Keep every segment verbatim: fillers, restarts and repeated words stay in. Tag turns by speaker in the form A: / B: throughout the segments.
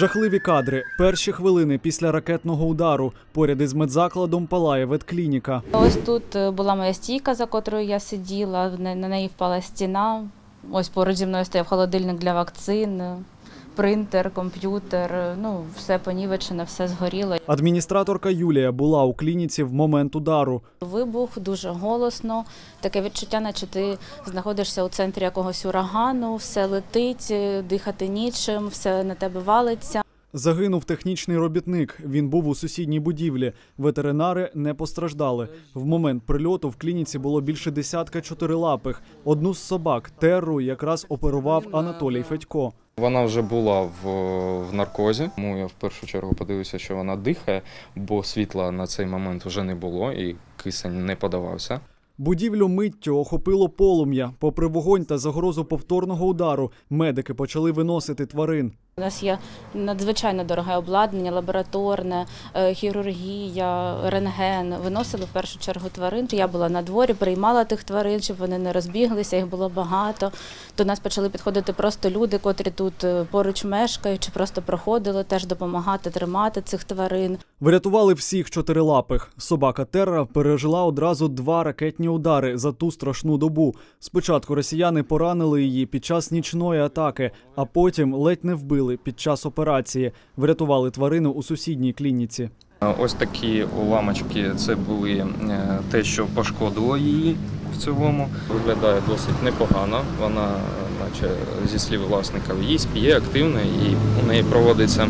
A: Жахливі кадри. Перші хвилини після ракетного удару. Поряд із медзакладом палає ветклініка.
B: Ось тут була моя стійка, за котрою я сиділа, на неї впала стіна. Ось поруч зі мною стояв холодильник для вакцин, принтер, комп'ютер, ну, все понівечено, все згоріло.
A: Адміністраторка Юлія була у клініці в момент удару.
B: Вибух дуже голосно, таке відчуття, наче ти знаходишся у центрі якогось урагану, все летить, дихати нічим, все на тебе валиться.
A: Загинув технічний робітник. Він був у сусідній будівлі. Ветеринари не постраждали. В момент прильоту в клініці було більше десятка чотирилапих. Одну з собак, Терру, якраз оперував Анатолій Федько.
C: Вона вже була в, в наркозі, тому я в першу чергу подивився, що вона дихає, бо світла на цей момент вже не було і кисень не подавався.
A: Будівлю миттю охопило полум'я. Попри вогонь та загрозу повторного удару, медики почали виносити тварин.
B: У нас є надзвичайно дороге обладнання, лабораторне, хірургія, рентген. Виносили в першу чергу тварин. Я була на дворі, приймала тих тварин, щоб вони не розбіглися, їх було багато. До нас почали підходити просто люди, котрі тут поруч мешкають, чи просто проходили, теж допомагати тримати цих тварин.
A: Врятували всіх чотирилапих. Собака Терра пережила одразу два ракетні удари за ту страшну добу. Спочатку росіяни поранили її під час нічної атаки, а потім ледь не вбили під час операції. Врятували тварину у сусідній клініці.
C: Ось такі уламочки – це були те, що пошкодило її в цілому. Виглядає досить непогано. Вона, наче зі слів власника, їсть, п'є активно і у неї проводиться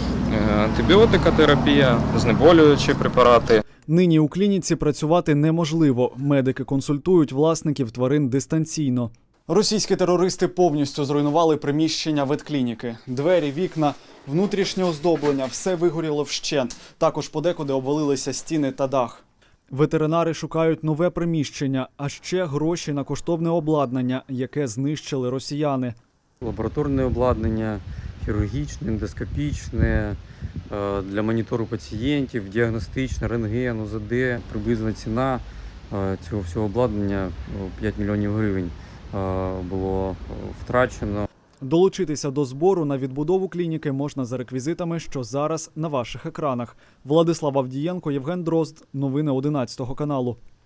C: антибіотикотерапія, знеболюючі препарати.
A: Нині у клініці працювати неможливо. Медики консультують власників тварин дистанційно. Російські терористи повністю зруйнували приміщення ветклініки. Двері, вікна, внутрішнє оздоблення – все вигоріло вщент. Також подекуди обвалилися стіни та дах. Ветеринари шукають нове приміщення, а ще гроші на коштовне обладнання, яке знищили росіяни.
D: Лабораторне обладнання, хірургічне, ендоскопічне, для монітору пацієнтів, діагностичне, рентген, УЗД. Приблизна ціна цього всього обладнання п'ять мільйонів гривень було втрачено.
A: Долучитися до збору на відбудову клініки можна за реквізитами, що зараз на ваших екранах. Владислав Авдієнко, Євген Дрозд. Новини одинадцятого каналу.